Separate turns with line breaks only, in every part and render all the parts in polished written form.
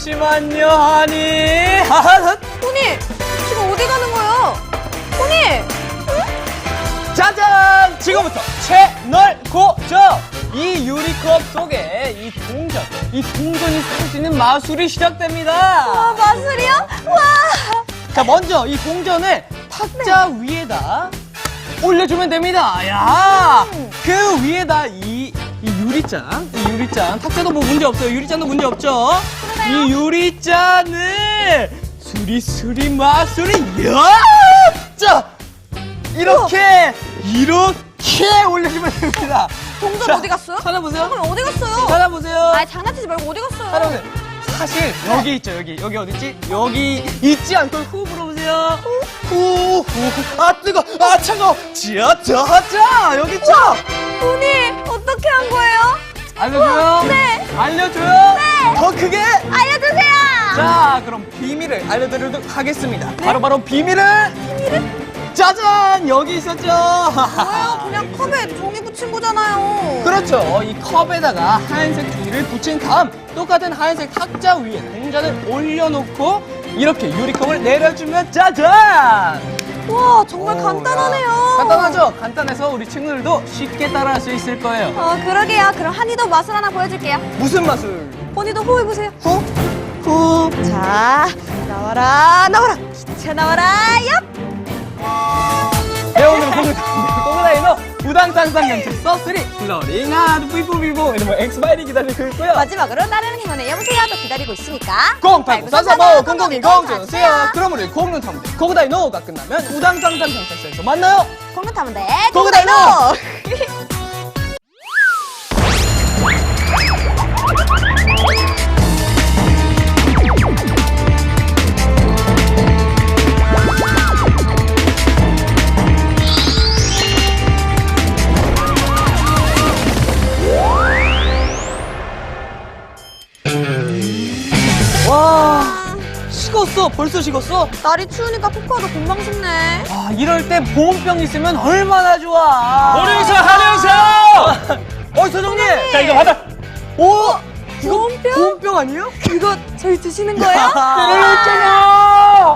잠시만요, 하니.
포니, 지금 어디 가는 거예요? 포니!
짜잔! 지금부터 채널 고정! 이 유리컵 속에 이 동전이 쏟아지는 마술이 시작됩니다.
와, 마술이요? 와!
자, 먼저 이 동전을 탁자 위에다 올려주면 됩니다. 야, 그 위에다 이 유리잔, 탁자도 뭐 문제 없어요. 유리잔도 문제 없죠.
그러네요.
이 유리잔을 수리수리 마술이 자, 이렇게 올려주면 됩니다.
동전
자,
어디 갔어요?
찾아보세요.
잠깐만, 어디 갔어요?
찾아보세요.
아, 장난치지 말고 어디 갔어요?
찾아보세요. 사실 여기 있죠. 여기 어디 있지? 여기 있지 않고 후 불어보세요. 후. 아 뜨거. 아 차가워. 자 여기 있죠.
포니, 어떻게 한 거예요?
알려줘요.
네.
알려줘요.
네.
더 크게.
알려주세요!
자 그럼 비밀을 알려드리도록 하겠습니다. 바로 비밀을. 짜잔 여기 있었죠.
뭐예요? 그냥 컵에 종이 붙인 거잖아요.
그렇죠. 이 컵에다가 하얀색 종이를 붙인 다음 똑같은 하얀색 탁자 위에 동전을 올려놓고 이렇게 유리컵을 내려주면 짜잔!
와, 정말
오,
간단하네요.
야. 간단하죠? 간단해서 우리 친구들도 쉽게 따라할 수 있을 거예요.
그러게요. 그럼 한이도 마술 하나 보여줄게요.
무슨 마술?
포니도 호해보세요.
후.
자, 나와라, 기차 나와라, 얍!
네, 오늘 고그다이노 우당탕탕 경찰 서3 플로링 하드 삐뽀삐뽀 이러면 엑스파일이 기다리고 있고요.
마지막으로 다른 행운의 여보세요 또 기다리고 있으니까
089435 0020 주세요. 그럼 우리 공룡 탐대 고그다이노가 끝나면 우당탕탕 경찰서에서 만나요.
공룡 타면 돼.
고그다이노! 와, 식었어. 벌써 식었어?
날이 추우니까 코코아도 금방 식네.
아, 이럴 때 보온병 있으면 얼마나 좋아.
한영사, 한영사!
서정님.
자, 이거 받아.
오, 이거
보온병?
보온병 아니에요?
이거 저희 드시는 거예요?
그랬잖아.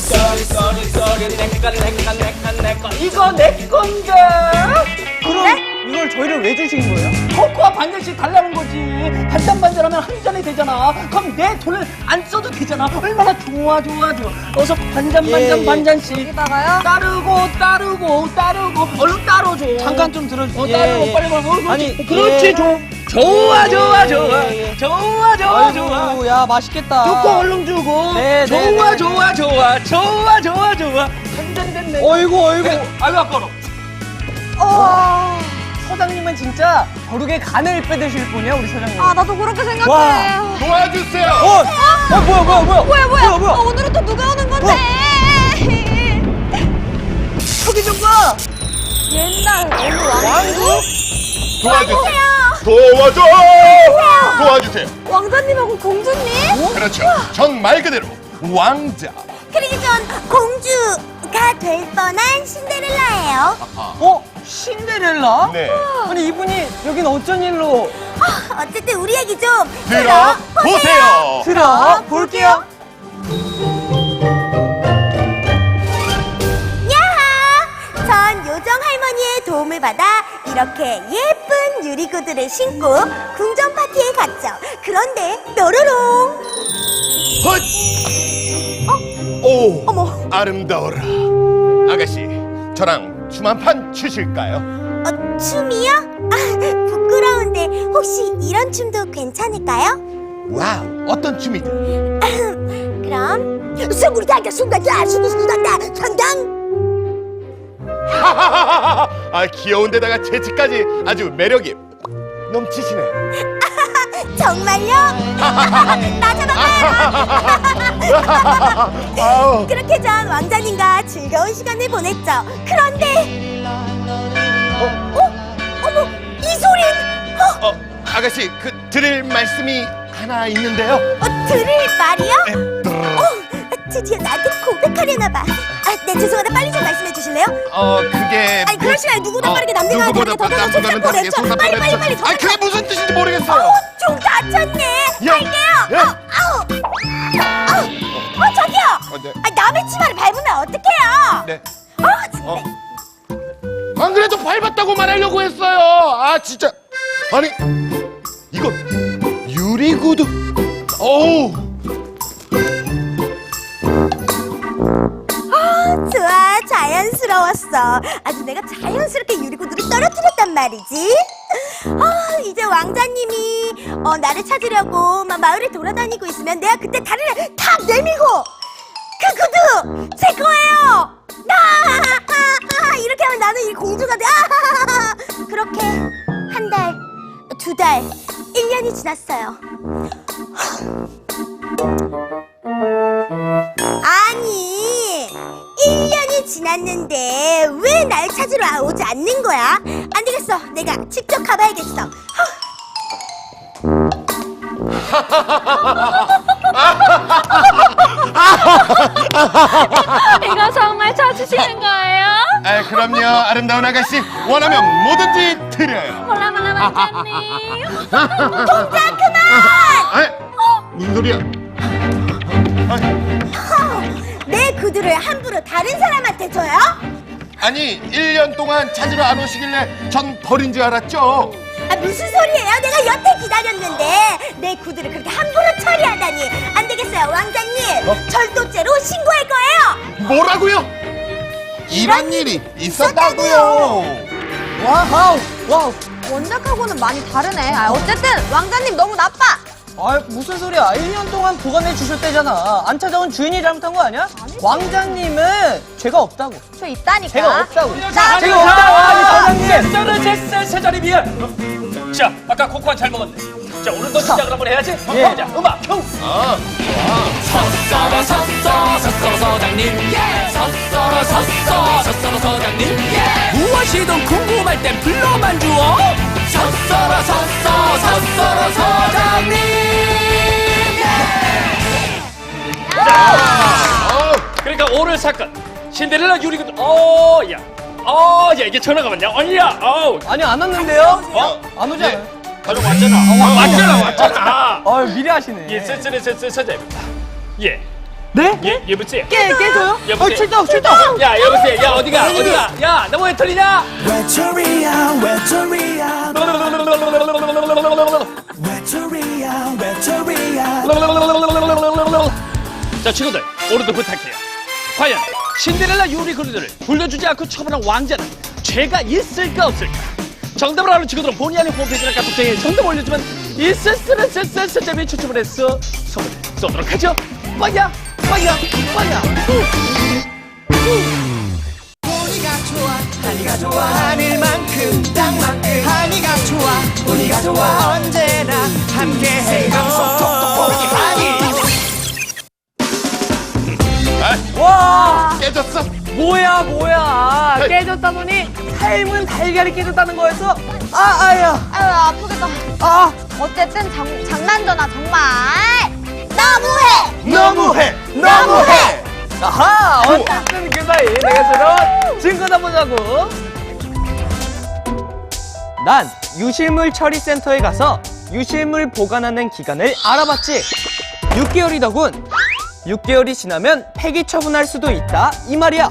이거 내 건데.
그럼 이걸 저희를 왜 주신 거예요?
코코아 반 잔씩 달라는 거지. 반잔반잔하면 한 잔이 되잖아. 그럼 내 돈을 안 써도 되잖아. 얼마나 좋아. 어서 반잔씩.
여기다가요?
따르고 얼른 따로줘.
잠깐 좀 들어주세요.
따르고 빨리 먹어.
아니,
그렇지. 좋아.
아이고, 야, 맛있겠다.
주고 얼른 주고.
네,
좋아. 한 잔 됐네.
어이구.
아이고 아까워.
서장님은 진짜 벼룩의 간을 빼드실 분이야, 우리 서장님.
아, 나도 그렇게 생각해.
와.
도와주세요.
뭐야.
오늘은 또 누가 오는 건데?
저기 좀 봐.
옛날 어느
왕국?
도와주세요.
왕자님하고 공주님?
그렇죠. 전 말 그대로 왕자.
그러기 전 공주가 될 뻔한 신데렐라예요.
신데렐라?
네.
아니, 이분이 여긴 어쩐 일로
어쨌든 우리 얘기 좀
들어보세요.
들어볼게요.
야하! 전 요정 할머니의 도움을 받아 이렇게 예쁜 유리구두를 신고 궁전 파티에 갔죠. 그런데 뾰로롱!
헛! 오,
어머,
아름다워라. 아가씨, 저랑 춤 한 판 추실까요?
춤이요? 아, 부끄러운데 혹시 이런 춤도 괜찮을까요?
와우, 어떤 춤이든.
그럼 스무리다가 순간다 수구수구단다 전당!
하하하하. 아, 귀여운데다가 재치까지 아주 매력이 넘치시네요.
정말요? 나 잡아가요!
아우.
그렇게 전 왕자님과 즐거운 시간을 보냈죠. 그런데 어머, 이 소린!
아가씨, 그 드릴 말씀이 하나 있는데요.
들을 말이요? 드디어 나한테 고백하려나 봐. 네, 죄송하다. 빨리 좀 말씀해 주실래요?
그게
아니, 그럴 시간에 누구보다 빠르게 남들과
누구보다
다르게 더
나보다는 다르게
빨리, 더
아니, 그게 무슨 뜻인지 모르겠어요.
좀 다쳤네.
야,
갈게요.
야.
아우.
네.
아, 남의 치마를 밟으면 어떡해요?
네.
진짜.
안 그래도 밟았다고 말하려고 했어요. 아 진짜. 아니 이거 유리구두. 어우.
좋아, 자연스러웠어. 아주 내가 자연스럽게 유리구두를 떨어뜨렸단 말이지. 이제 왕자님이 나를 찾으려고 막 마을에 돌아다니고 있으면 내가 그때 다리를 탁 내밀고 그 구두 제 거예요. 이렇게 하면 나는 이 공주가 돼. 그렇게 한 달, 두 달, 1년이 지났어요. 아니, 1년이 지났는데 왜 날 찾으러 오지 않는 거야? 안 되겠어. 내가 직접 가봐야겠어.
이거 정말 찾으시는 거예요?
아 그럼요 아름다운 아가씨 원하면 뭐든지 드려요.
몰라 왕자님.
동작 그만!
아 무슨 소리야?
내 구두를 함부로 다른 사람한테 줘요?
아니 1년 동안 찾으러 안 오시길래 전 버린 줄 알았죠.
무슨 소리예요? 내가 여태 기다렸는데 내 구두를 그렇게 함부로 처리하다니. 안 되겠어요, 왕자님. 절도죄로 신고할 거예요.
뭐라고요? 이런 일이 있었다고요.
와우, 와우.
원작하고는 많이 다르네. 어쨌든 왕자님 너무 나빠.
아, 무슨 소리야. 1년 동안 보관해 주셨대잖아. 안 찾아온 주인이 잘못한 거 아니야? 왕자님은 죄가 없다고.
저 있다니까.
죄가 없다고.
자,
죄가 없다고. 아니, 사장님.
저는 제 자리 미안. 자, 아까 코코아 잘 먹었네. 자, 오늘도 시작을 한번 해야지.
예.
자, 음악 큐. 섰어라 서장님. 섰어라 서장님. 무엇이든 궁금할 땐 불러만 주어. 섰어라 서장님. 그러니까 오늘 사건 신데렐라 유리구두. 야, 이게 전화가 왔냐? 아니야.
아니, 안 왔는데요?
어?
안 오잖아요.
가족 왔잖아.
미리 하시네.
예, 서장입니다. 예,
네?
여보세요.
깨줘요?
여보세요.
출동.
야, 여보세요. 야, 어디가? 야, 너 왜 틀리냐?
외톨이야 외톨이야 외톨이야
자, 친구들, 오늘도 부탁해요. 과연 신데렐라 유리구두를 돌려주지 않고 처분한 왕자는 죄가 있을까 없을까? 정답을 아는 친구들은 본의 아닌 홈페이지나 카톡장에 정답 올려주면 이스스스스스점이 추첨을 해서 선물을 쏘도록 하죠. 빠야.
하니가 좋아 하늘만큼 땅만큼 하니가 좋아 우리가 좋아 언제나 함께해요
와,
깨졌어?
뭐야. 깨졌다더니 삶은 달걀이 깨졌다는 거였어? 아야.
아유, 아프겠다.
아,
어쨌든 장난전화 정말.
너무해.
아하, 어쨌든 그 사이 내가 새로운 증거나 보자고. 난 유실물 처리센터에 가서 유실물 보관하는 기간을 알아봤지. 6개월이더군. 6개월이 지나면 폐기 처분할 수도 있다 이 말이야.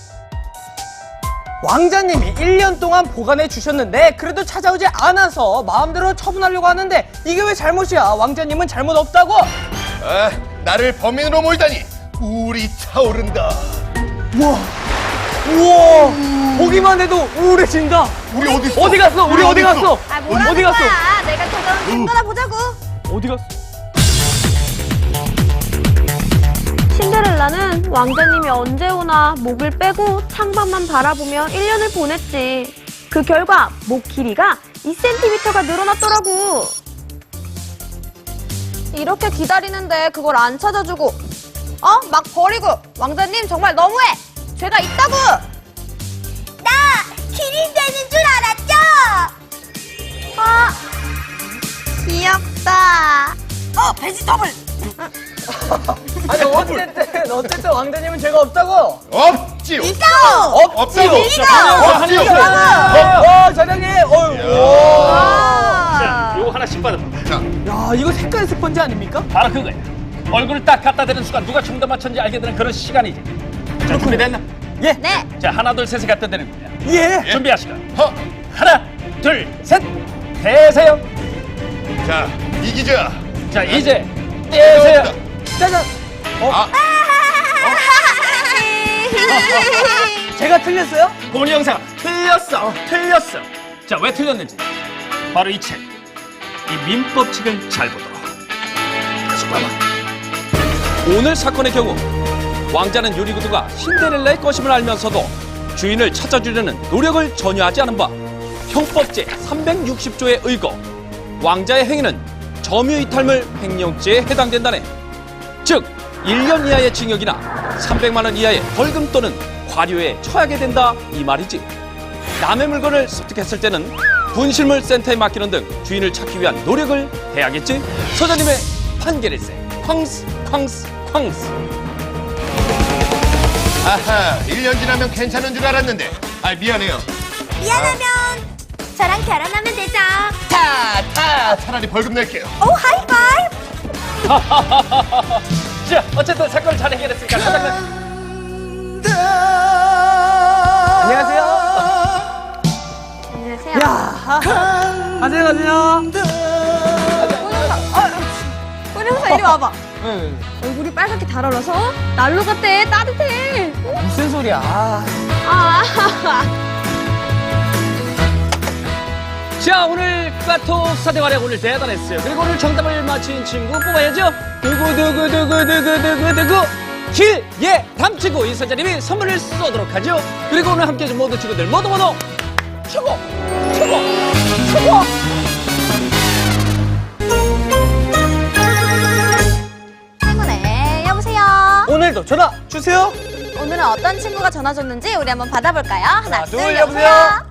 왕자님이 1년 동안 보관해 주셨는데 그래도 찾아오지 않아서 마음대로 처분하려고 하는데 이게 왜 잘못이야? 왕자님은 잘못 없다고.
아 나를 범인으로 몰다니 우울이 차오른다.
우와, 보기만 해도 우울해진다.
우리 어디 있어?
어디 갔어? 우리 어디 갔어?
뭐라는
어디 갔어?
거야? 내가 찾아온 증거나 보자고.
어디 갔어?
신데렐라는 왕자님이 언제 오나 목을 빼고 창밖만 바라보며 1년을 보냈지. 그 결과 목 길이가 2cm가 늘어났더라고. 이렇게 기다리는데 그걸 안 찾아주고 막 버리고 왕자님 정말 너무해. 죄가 있다고.
나 기린 되는 줄 알았죠?
귀엽다.
베지터블.
아니 어쨌든 왕자님은 죄가 없다고.
없지요.
없지요.
없지요.
사장님.
자, 요거 하나씩 받아봐.
야, 이거 색깔 스펀지 아닙니까?
바로 그거야. 얼굴을 딱 갖다 대는 순간 누가 정답 맞췄는지 알게 되는 그런 시간이지. 자, 준비됐나?
예.
네.
자, 하나, 둘, 셋을 갖다 대는 거야.
예.
준비하시고. 하나, 둘, 셋. 대세요.
자, 이기자.
자, 이제 떼세요.
짜잔. 제가 틀렸어요?
본의 영상 틀렸어. 틀렸어. 자, 왜 틀렸는지. 바로 이 책. 이 민법책을 잘 보도록. 다시 봐봐. 오늘 사건의 경우 왕자는 유리구두가 신데렐라의 것임을 알면서도 주인을 찾아주려는 노력을 전혀 하지 않은 바 형법제 360조에 의거 왕자의 행위는 점유이탈물 횡령죄에 해당된다네. 즉 1년 이하의 징역이나 300만 원 이하의 벌금 또는 과료에 처하게 된다 이 말이지. 남의 물건을 습득했을 때는 분실물 센터에 맡기는 등 주인을 찾기 위한 노력을 해야겠지. 서장님의 판결일세. 쾅스 쾅스 쾅스.
아하, 1년 지나면 괜찮은 줄 알았는데. 아, 미안해요.
미안하면 저랑 결혼하면 되죠.
차라리 벌금 낼게요.
오, 하이파이브.
자, 어쨌든 사건을 잘 해결했으니까 사장님.
안녕하세요.
안녕하세요.
야. 가세요, 가세요.
꼬리형사 이리 와봐.
네.
얼굴이 빨갛게 달아올라서 난로 같대. 따뜻해.
무슨 소리야?
아.
자, 오늘 까토 사대활약 오늘 대단했어요. 그리고 오늘 정답을 맞힌 친구 뽑아야죠. 누구 길예담 친구 이사장님이 선물을 쏘도록 하죠. 그리고 오늘 함께해준 모든 친구들 모두 최고.
네, 여보세요.
오늘도 전화 주세요.
오늘은 어떤 친구가 전화 줬는지 우리 한번 받아볼까요? 하나, 둘,
여보세요.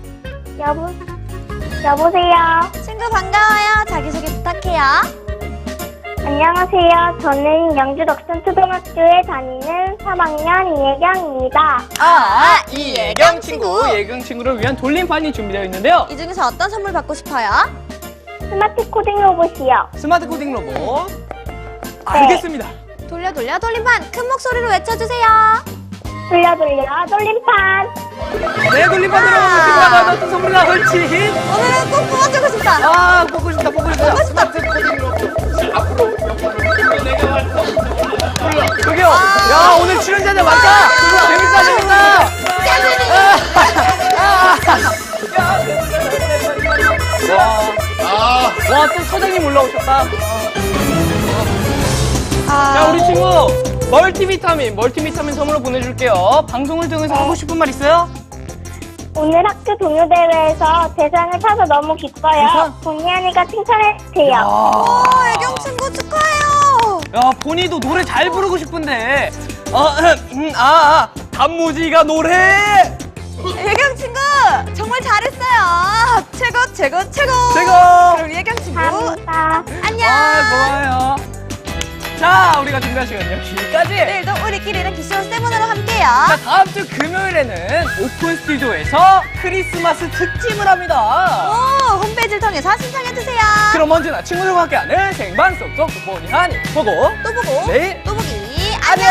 여보세요.
친구 반가워요. 자기소개 부탁해요.
안녕하세요. 저는 영주 덕천초등학교에 다니는 3학년 이혜경입니다.
이예경 친구. 예경 친구를 위한 돌림판이 준비되어 있는데요.
이 중에서 어떤 선물 받고 싶어요?
스마트 코딩 로봇이요.
스마트 코딩 로봇. 알겠습니다.
돌려 돌림판 큰 목소리로 외쳐주세요.
돌려 돌림판.
네, 돌림판으로 친구가 어떤 선물이나 옳지.
오늘은 꼭 뽑아주고 싶다.
아, 뽑고 싶다.
스마트 코딩 로봇. 앞으로
저기요. 야, 오늘 출연자들 많다. 재밌다. 와, 또 서장님 올라오셨다. 자, 우리 친구 멀티비타민 선물로 보내줄게요. 방송을 통해서 하고 싶은 말 있어요?
오늘 학교 동요대회에서 대상을 타서 너무 기뻐요.
대상?
본의 아니가 칭찬해주세요.
애경 친구 축하해요.
야, 본이도 노래 잘 부르고 싶은데. 단무지가 노래.
애경 친구 정말 잘했어요. 최고. 그럼 우리 애경 친구
감사합니다.
안녕.
고마워요. 자, 우리가 준비한 시간 여기까지.
내일도 우리끼리는 기쇼 세븐으로 함께요.
자, 다음 주 금요일에는 오픈 스튜디오에서 크리스마스 특집을 합니다.
오, 홈페이지를 통해서 신청해주세요.
그럼 언제나 친구들과 함께하는 생방 속속 보니 하니 보고
또 보고
내일
또 보기 안녕.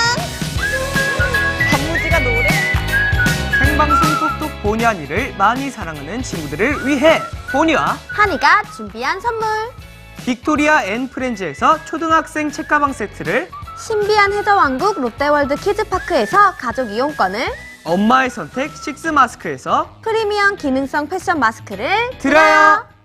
단무지가 노래.
생방송 톡톡 보니 하니를 많이 사랑하는 친구들을 위해 보니와
하니가 준비한 선물.
빅토리아 앤 프렌즈에서 초등학생 책가방 세트를,
신비한 해저왕국 롯데월드 키즈파크에서 가족 이용권을,
엄마의 선택 식스 마스크에서
프리미엄 기능성 패션 마스크를
드려요.